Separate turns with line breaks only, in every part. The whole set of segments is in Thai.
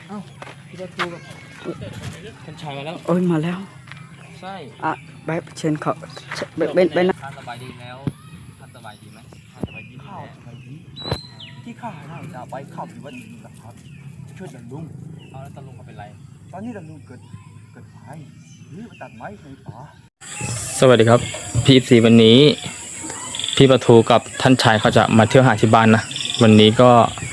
เอ้าพี่ประตูกับท่านชายมาแล้ว
โอ้ยมาแล้ว
ใช่
อ่ะไปเชิญเขาไปนะ
ท่านสบายดีแล้วท่านสบายดีไหมท่านสบายดี
ข้าวสบายดีที่ข้าน่าจะไปขับอยู่วันนี้นะครับช่วยดันลุง
เอาแล้วตาลุงเขาเป็นไร
ตอนนี้ดันลุงเกิดไฟหรือไปตัดไม้ในป่า
สวัสดีครับพี่วันนี้พี่ประตูกับท่านชายเขาจะมาเที่ยวหาที่บ้านนะวันนี้ก็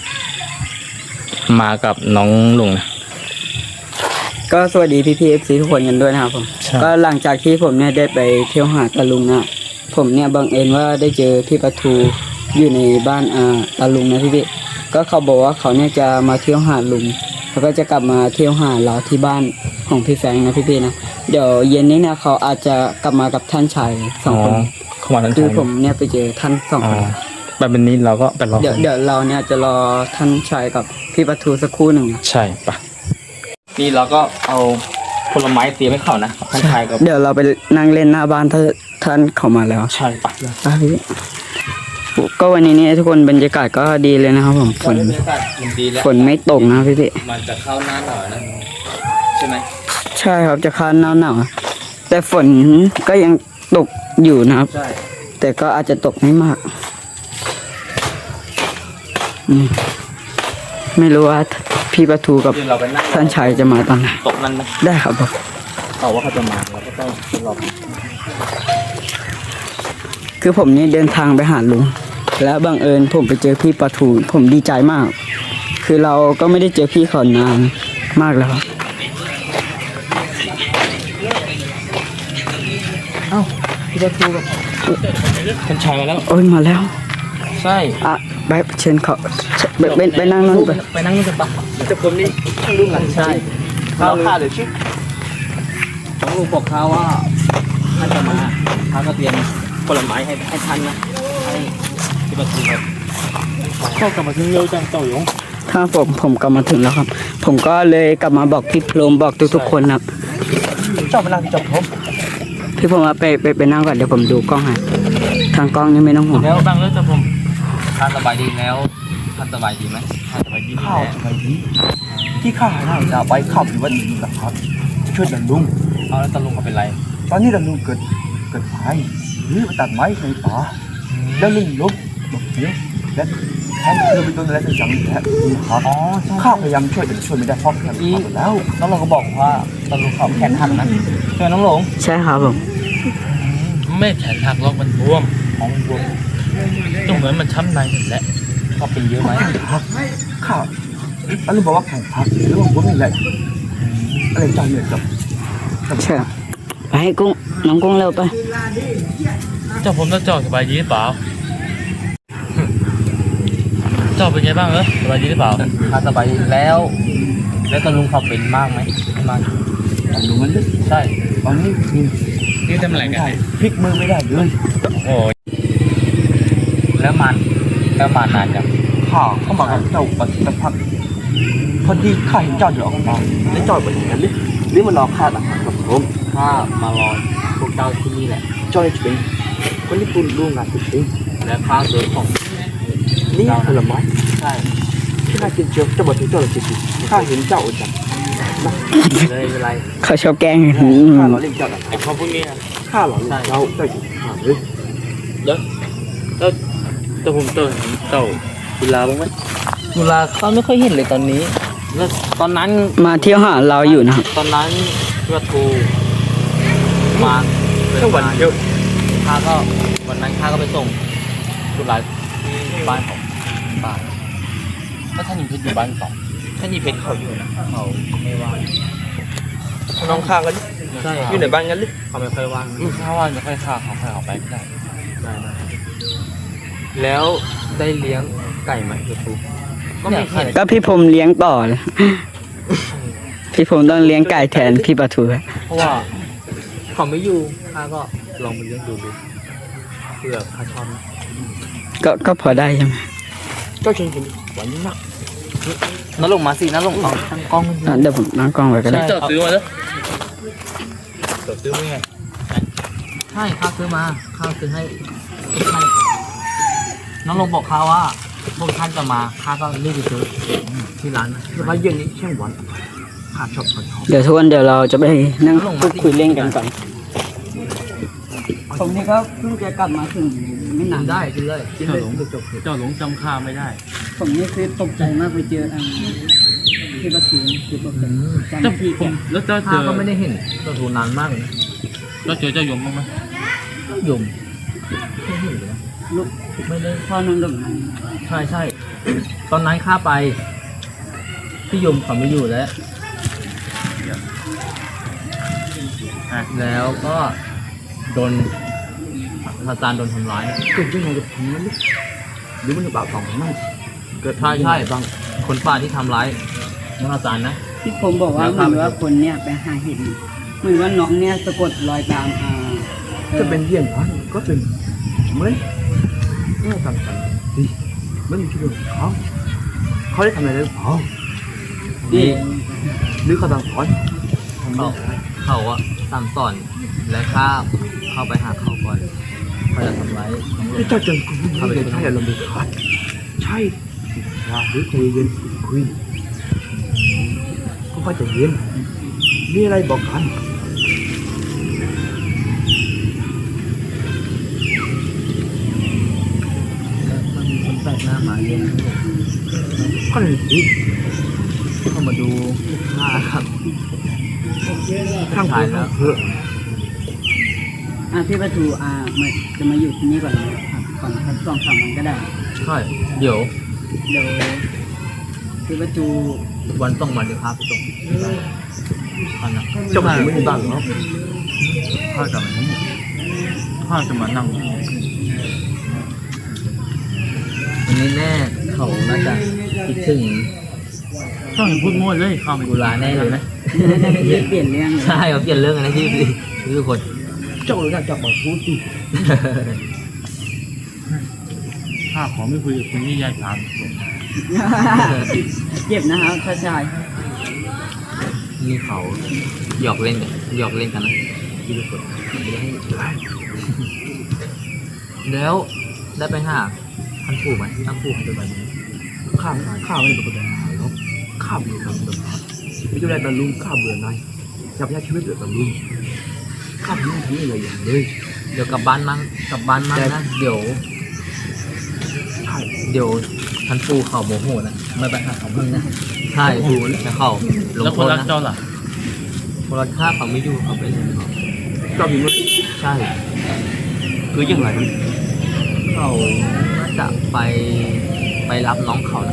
มากับน้องลุงนะ
ก็สวัสดีพี่FC ทุกคนกันด้วยนะครับผม
ใช่
ก็หลังจากที่ผมเนี่ยได้ไปเที่ยวหาตาลุงนะผมเนี่ยบังเอิญว่าได้เจอพี่ประทูอยู่ในบ้านตาลุงนะพี่ก็เขาบอกว่าเขาเนี่ยจะมาเที่ยวหาลุงแล้วก็จะกลับมาเที่ยวหาเราที่บ้านของพี่แฟงนะพี่นะเดี๋ยวเย็นนี้เนี่ยเขาอาจจะกลับมากับท่านชายสองคน
เข้ามาท่าน
คื
ชา
อย ผมเนี่ยไปเจอท่านสองคน
แบบนี้เราก็ไปรอ
เดี๋ยวเราเนี่ยจะรอท่านชายกับพี่ประทูสักครู่หนึ่งนะ
ใช่ปะนี่เราก็เอาผลไม้เตรียมให้เขานะท่านชายกับ
เดี๋ยวเราไปนั่งเล่นหน้าบ้านถ้าท่านเข้ามาแล้ว
ใช่ปะ
พี่ก็วันนี้เนี่ยทุกคนบรรยากาศก็ดีเลยนะครับผมฝน
บรรยากาศดีแล้ว
ฝนไม่ตกนะพี่
มันจะเข้าหน้าหนาวนะใช่ไหม
ใช่ครับจะเข้าหนาวแต่ฝนก็ยังตกอยู่นะครับ
ใช่
แต่ก็อาจจะตกไม่มากไม่รู้ว่าพี่ประทูกับ
เดี๋ยวเราไปนั่ง
ท่านชายจะมาตอนไหน
ตกนั่นไหม
ได้ครับผม
เขาว่าเขาจะมาเราก็ต้องรอ
คือผมนี่เดินทางไปหาลุงแล้วบังเอิญผมไปเจอพี่ประทูผมดีใจมาก คือเราก็ไม่ได้เจอพี่เขานานมากแล้วครับ
เอ้าพี่ประตูกับท่านชายมาแล้ว
โอ้ยมาแล้ว
ใช่
อ่ะไปเชิญเขาไปนั่งนั่นไป
ไปนั่งนี่กันปะ
แต่ผมนี่ท่านลุงอ่ะ
ใช่
ข้าวข้าเลยชื่อ
น้องลุงบอกเขาว่าท่านจะมาเขาก็เตรียมผลไม้ให้ท่านนะให้พี่ประตูครับ
ข้าวกลับมาถึงเร็วจังเต่าหยง
ถ้าผมกลับมาถึงแล้วครับ ผมก็เลยกลับมาบอกพี่พรหมบอกทุกๆคนครับ
เจ้ามานั่งที่จอมผม
พี่ผมว่าไปนั่งก่อนเดี๋ยวผมดูกล้องให้ทางกล้องนี่ไม่ต้องห่วง
แล้วบ้างแล้วจะผมท่านสบายดีแล้วท่านสบายดีไหมท่านสบายดี
ข้าวสบายดีที่ข้าน่าจะไปขับอยู่วันนี้นะครับช่วยดันลุง
เอาแล้วตาลุงเขาเป็นไร
ตอนนี้ดันลุงเกิดไฟหรือไปตัดไม้ในป่าแล้วลุงลุกบอกเดี๋ยวและแทนคือไปโดนอะไรสักอย่างแล้วนะครับ
อ๋อใช่
ข้าพยายามช่วยแต่ช่วยไม่ได้เพราะแขนขาดหมดแล้ว
น้องหลงก็บอกว่าตาลุงเขาแขนหักนะใช่ไหมน้องหลง
ใช่ครับผม
ไม่แขนหักหรอกมันบวมของมันบวมก็เหมือนมันช้ำในนั่นแหละก็เป็นเยอะไหม
ข้าแล้วลุงบอกว่าแขนขาดหรือว่าผมนี่แหละอะไรจังเนี่ยกับ
ใช่ไปให้กุ้งน้องกุ้งเร็วไป
เจ้าผมต้องเจ้าสบายดีหรือเปล่าเจ้าเป็นไงบ้างสบายดีหรือเปล่าถ้าสบายดีแล้วตาลุงเขาเป็นมากไหมไม่มาก
ดันลุงมันลึก
ใช่
ตอนนี้
นี่ทำอะไรกัน
พลิกมือไม่ได้เลย
โอ้ยแล้วมันนานจัง
ข้าเข้ามากับเจ้าปัจจุบันพอดีข้าเห็นเจ้าเดินออกมาแล้วเจ้าเป็นอย่างนั้นหรือมันรอข้าต่างหากกับผม
ข้ามารอพวกเจ้าที่นี่แหละ
เจ้าจะเป็นคนญี่ปุ่นร่วมงานจริง
และข้าเดินของ
นี่ผลไม้
ใช่
ที่ข้ากินเชียวจะบอกถึงเจ้าเลยจริงๆข้าเห็นเจ้าจัง
เลยเป็นไร
เขาชอบแกล้ง
ข้าหล่อเล่นเจ้าหนัก
ไอ้พ่อพวกนี้อะ
ข้าหล่อเล่นเจ้าอยู่ข้าเลย
แล้วผมเต่ากุลาบ้างไหมกุลาเขาไม่ค่อยเห็นเลยตอนนี้แล้วตอนนั้น
มาเที่ยวหาเราอยู่นะครับ
ตอนนั้นพี่วัตถุมา
แค่วันเดียว
ข้าก็วันนั้นข้าก็ไปส่งกุลาที่บ้านของป้าแล้วท่านหญิงเพชรอยู่บ้านสองท่านหญิงเพชรเขาอยู่นะเขาไม่ว่าง
น้องข้างกัน
ใช่
อยู่ในบ้านกันหรือ
เขาไม่ค่อยว่างถ้าว่างจะค่อยข้าเขาค่อยออกไปได้แล้วได้เลี้ยงไก่ไหมพี่วัตถุก็ไม่เห็น
ก็พี่ผมเลี้ยงต่อเลยพี่ผมต้องเลี้ยงไก่แทนพี่ประทู
เพราะว่าเขาไม่อยู่ข้าก็ลองไปเลี้ยงดูเผื่อข้าชอบนะ
ก็พอได้ใช่ไหม
เจ้าเชิญกินหวานมาก
น้าลงมาสิน้าลงเอาตั้งกล้อง
เดี๋ยวผมนั่งกล้องไว้ก็ได้
เจอซื้อมาแล้วเจอซื้อมาไงใช่ข้าซื้อมาข้าซื้อให้ทุกท่านน้องลงบอกข้าว่าพวกท่านจะมาข้าก็รีบไปซื้อที่ร้านนะ
สบายเย็นนี้เช่นวันข้าชอบ
เดี๋ยวทุกคนเดี๋ยวเราจะไปนั่งพูดคุยเล่นกันก่อนผมนี่ก็เพิ่งจะกลับมาถึงไม่นาน
ได้กินเลยกินเลยจบ
เจ้าหลงจำข้าไม่ได้
ผมนี่คือตกใจมากไปเจอที่ประตูคือตกใจจำที่แก
แล้วเจ้าเจ
ข้า
อ
ก็ไม่ได้เห็นตัวทูนานมากเลยนะ
เจ้าเจอเจ้ายมบ้างไหม
ยมไม่เห็นเลยนะ
ลูก
ไม่ได้
พ่อนั่งตรงนั้น
ใช่ใช่ตอนนั้นข้าไปพี่ยมเขาไม่อยู่แล้ว แล้วก็โดนอาจารย์โดนทำร้าย
เกิดยังไงกับผมนั้นหรือมันจะบาปของมันเกิด
ใช่ใช่บางคนป่าที่ทำร้ายน้องอาจารย์นะ
ที่ผมบอกว่าเหมือนว่าคนเนี่ยไปหาเห็ดเหมือนว่าน้องเนี่ยสะกดรอยตาม
จะเป็นเยี่ยงนั้นก็เป็นเหมือนเมื่อต่างๆดิมันมีชื่อเขาได้ทำอะไรหรือเปล่า
นี่
หรือเขาต่างสอน
เขาอะสั่งสอนและข้าเข้าไปหาเขาก่อนเขาจะทำร้ายน้องหลวง
เจ้าจังคุณไม่ได้ใช่อารมณ์เด็ดขาดใช่อย่าหรือใจเย็นคุยก็ค่อยใจเย็นมีอะไรบอกกัน
มันมีคนแปลกหน้ามาเยอะนะ
ก็เลยสิ
เข้ามาดูข้าครับ
ข้างคุยแล้วเถอะ
พี่ประตูมันจะมาอยู่ที่นี่ก่อนนะครับก่อนสัก2-3 วันก็ได้
ใช่เดี๋ยว
เดี๋ยวพี่ประตู
วันต้องมาเดี๋ยวข้าไปส่งข้านะ
เจ้าผมไม่ได้บ้างเหรอ
ข้าจะมานี่ข้าจะมานั่ง
วันนี้แน่เขาน่าจะคิดถึง
เจ้าเห็นพูดมั่วเลยข้าไม่
กุลาแน่เลยนะ
เปลี่ยนเรื่องเลย
ใช่เขาเปลี่ยนเรื่องกันนะที่ทุกคน
เจ้าเลยน่าจะบอกพูดสิ
ข้าขอไม่คุยกับคนที่แยกทาง
เจ็บนะครับถ้าชาย
นี่เขาหยอกเล่นกันหยอกเล่นกันนะที่ทุกคนแล้วได้ไปหาท่านผู้ไหมท่านผู้เขาจะไปไหม
ข้าไม่ได้เป็นคนแบบนั้นหรอกข้าเบื่อทำแบบนั้นไม่ใช่ได้บรรลุข้าเบื่อนายจะพยายามชีวิตเบื่อบรรลุข้าไม่ทำอะไรอย่างเลย
เดี๋ยวกลับบ้านมั้งนะเดี๋ยว
ใช่
เดี๋ยวท่านผู้เขาโมโหนะไม่ไปหาเขามึงนะใช่แล้วเขาลง
แล้ว
โท
คน
ษ
รัก
นะ
เจ้าล่ะ
คนรักข้าเขาไม่อยู่เขาไปเลย
เจ้ามีมั้ย
ใช่
คือยังไง
เขาน่าจะไปรับน้องเขานะ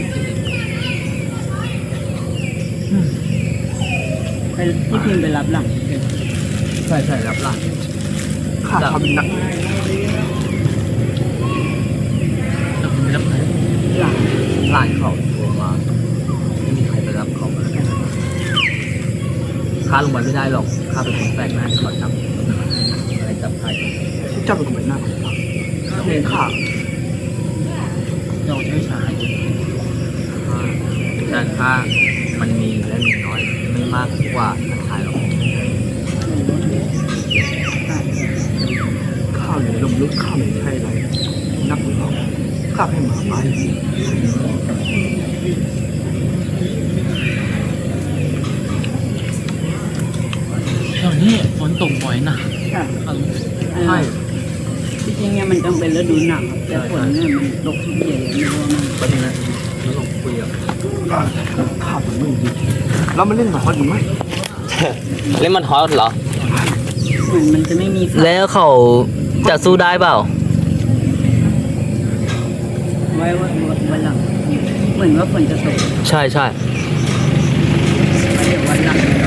ไปพี่พิมพ์ไปรับหลัง
ใช่รับหลัง
ข้าทำหนัก
เจ้าคุณไม่รับใคร
หลัง
หลานเขาโทรมาไม่มีใครไปรับเขามาข้าลงมาไม่ได้หรอกข้าเป็นคนแปลกหน้าที่เขาจับอะไรจับใคร
เจ้าเป็นคนแบบหน้าของเราเองข้า
เจ้าใช้ชาย
แต่ค่ามันมีและมีน้อย ไม่มากกว่าท่านชายหรอก
ข้าเลยลมลุกข้าไม่ใช่อะไรนักของเราข้าให้หมาไป
เจ้านี่ฝนตกบ่อยนะ
ค่ะ
ใช่
ที่จริงเนี่ยมันต้องเป็นฤดูหนาวแต่ฝนเนี่ยมันตกทุกเย็นเลยไม่รู้ว่ามัน
ประเด็นนะแล้วลงคุยกับ
ข้าผมไม่ดีเรามาเล่นหมาฮอตอยู่ไหม
เล่นมันฮอตเหรอ
เหมือนมันจะไม่มีฝน
แล้วเขาจะสู้ได้เปล่า
ไว้วันหลังเหมือนว่าฝนจะตก
ใช่
ไว้เดี๋ยววันหลังเรา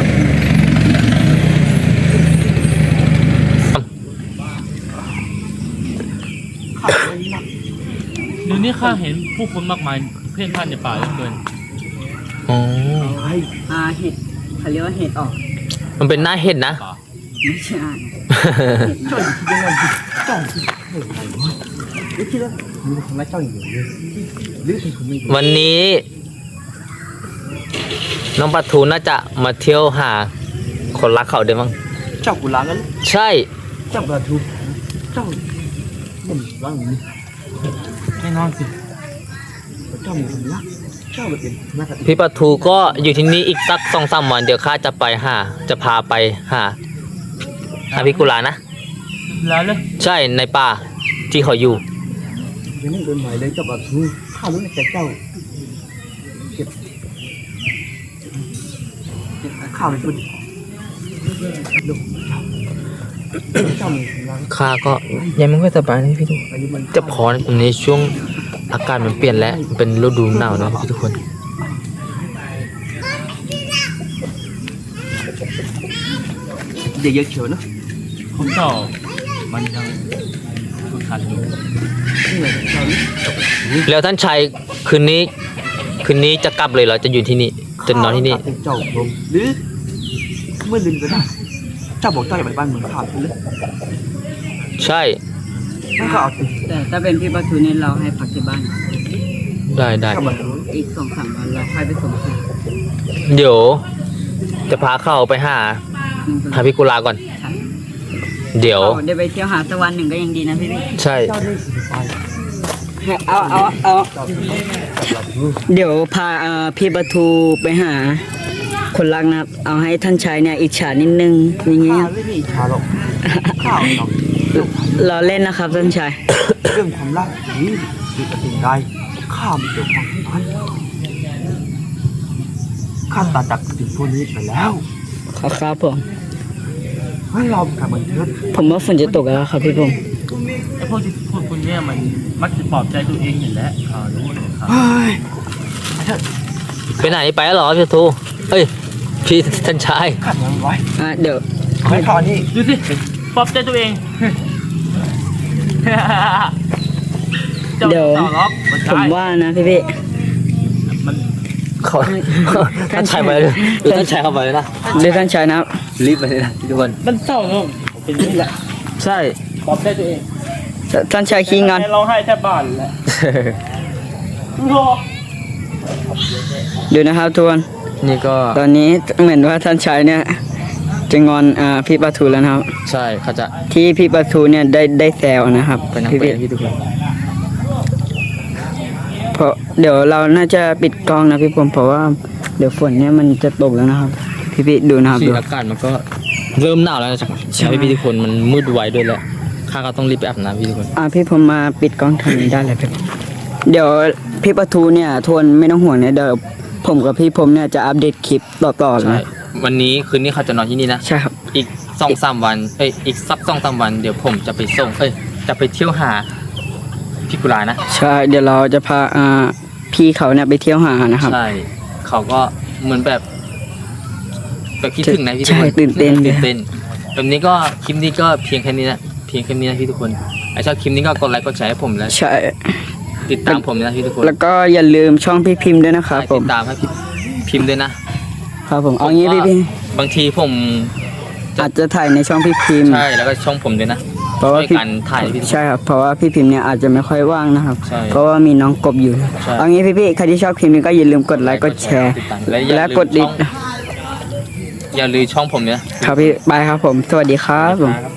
ข้าไม่นัก
เดี๋ยวนี้ข้าเห็นผู้คนมากมายเพ่นพ่านในป่าเหลือเกิน
อ๋อ
ไอ้
เห็ดเขาเรียกว่าเห็ดออก
มันเป็นหน้าเห็ดนะ
ไม่ใช่
เจ้าคิดยังไงเจ้าคิดอะไรวะหรือคิดว่ามีคนรักเจ้าอย่างเดียวเลยหรือเป็นคนไม่ดี
วันนี้ น้องปลาทูน่าจะมาเที่ยวหาคนรักเขาเดี๋ยวมั้ง
เจ้ากุลางั้น
ใช่
เจ้าประทูเจ้าเป็นร่างนี้
แน่นอนสิ
เจ้ามีคนรักเจ้าเป็นนัก
พี่ปะทูก็อยู่ที่นี่อีกสัก2-3 วันเดี๋ยวข้าจะไปหาจะพาไปหาพี่กุลานะ
แล้วเลย
ใช่ในป่าที่เขาอยู่
ยังไม่เดินไหวเลยเจ้าบัตรข้ารู้ในใจเจ้าเก็บข้าวในตัวดูเจ้ามีคนรัก
ข้าก็ยังไม่ค่อยสบายนะพี่ทุก
อายุมัน
จะพอในตรงนี้ช่วงอากาศมันเปลี่ยนแล้วมันเป็นฤดูหนาวนะพี่ทุกคน
เดี๋ยวเยอะเชียวนะ
ผมเจ้ามันยังฝึกหัดอยู่
นี่ไงเจ้านี่
แล้วท่านชายคืนนี้จะกลับเลยเหรอจะอยู่ที่นี่จะนอนที่นี่
เจ้าผมหรือเมื่อลืมก็ได้เจ้าบอกเจ้าอยากไปบ้านเมืองข้าใช่ไหม
ใช่
นั่นก็เอาสิ
แต่ถ้าเป็นพี่ปะทูเนี่ยเราให้พักที่บ้าน
ได้
เจ้าบัตร
อีก2-3 วันเราค่อยไปส่งที่
เดี๋ยว จะพาเข้าไปหาพี่กุลาก่อน เดี๋ยว
ได้ไปเที่ยวหาสักวันหนึ่งก็ยังดีนะพี่
ใช่
เจ้านี่สิไป
เอาเดี๋ยวพาพี่ปะทูไปหา คนรักนะครับเอาให้ท่านชายเนี่ยอิจฉานิดนึงอย่างเงี้
ข้าย ไม่มีอิจฉาหรอกข้าหรอก
เราเล่นนะครับท่านชาย
เรื่องความรักนี้หรือสิ่งใดข้าไม่เกี่ยวข้องทั้งนั้นข้าตัดจากสิ่งพวกนี้ไปแล้ว
ครับผม
ให้เรากลับมาเถิด
ผมว่าฝนจะตกแล้วครับพี่ผม
ไอ้พวกที่พูดคุณเนี่ยมันมักจะปลอบใจตัวเองอยู่แล้วรู้เลยครับ
เฮ้ย
ไปไหนไปแล้วเหรอพี่ทูเอ้ยพี่ท่านชาย
ขัดยังไว้
เดี๋ยว
ขอให้ข้านี่
ดูสิปลอบใจตัวเอง เจ้า
เดี๋ยว
ต่อล็อกมัน
ผม
ใช่
ว่านะพี่
มัน
เขาท่านชายไปเลยหรือท่านชายเข้าไปเลยนะ
เรียกท่านชายนะครับ
รีบไปเลยนะทุกคน
มันเศร้าเนอะเป็นนี่แหละ
ใช่
ปลอบใจตัวเอง
ท่านชายขี้งอน
ร้องไห้แทบบ้านแหละรอ
ดูนะครับทุกคน
นี่ก็
ตอนนี้เหมือนว่าท่านชายเนี่ยจะงอนพี่ปะทูแล้วนะครับ
ใช่เขาจะ
ที่พี่ปะทูเนี่ยได้แซวนะครับ
ไปนั่ง
พี่
ไป
พี่
พี่ทุกคน
เพราะเดี๋ยวเราน่าจะปิดกล้องนะพี่ผมเพราะว่าเดี๋ยวฝนเนี่ยมันจะตกแล้วนะครับ พี่ดูนะครับ
สี
ดู
อากาศมันก็เริ่มหนาวแล้วนะใช่พี่ทุกคนมันมืดไวด้วยแหละข้าก็ต้องรีบไปอาบน้ำพี่ทุกคน
พี่ผมมาปิดกล้องทางนี้ได้เลยพี่เดี๋ยวพี่ปะทูเนี่ยทวนไม่ต้องห่วงเนี่ยเดี๋ยวผมกับพี่ผมเนี่ยจะอัปเดตคลิปต่อๆ
ใช่
นะ
วันนี้คืนนี้เขาจะนอนที่นี่นะ
ใช่ครับ
อีก2-3 วันอีกสัก2-3 วันเดี๋ยวผมจะไปส่งจะไปเที่ยวหาพี่กุลานะ
ใช่เดี๋ยวเราจะพาพี่เขาเนี่ยไปเที่ยวหานะครับ
ใช่เขาก็เหมือนแบบคิดถึงนะพี่ทุก
ใช่
คน
ตื่นเต้น
ตื่นเต้นแบบนี้ก็คลิปนี้ก็เพียงแค่นี้นะพี่ทุกคนไอ้ชอบคลิปนี้ก็กดไลค์กดแชร์ให้ผมแล้ว
ใช่
ติดตามผมนะพี่ทุกคน
แล้วก็อย่าลืมช่องพี่พิมพ์ด้วยนะครับผ
ติ
ม
ดตามให้พี่พิมพ์ด้วยนะครับ
ผมเอางี้พี่
บางทีผม
อาจจะถ่ายในช่องพี่พิมพ์
ใช่แล้วก็ช่องผมด้วยนะ
เพราะว่า
ช่วย
พี่
กันถ่ายพี่ทุกคน
ใช่ครับเพราะว่าพี่พิมพ์เนี่ยอาจจะไม่ค่อยว่างนะครับ
ใช่
เพราะว่ามีน้องกบอยู่
ใช่
เอางี้พี่ใครที่ชอบคลิปนี้ก็อย่าลืมกดไลค์กดแชร์
ติดตามและอย่า
และ
ลืม
กดดิ
อย่าลืมช่องผมเนี่ย
ครับพี่บายครับผม สวัสดีครับผม
ครับ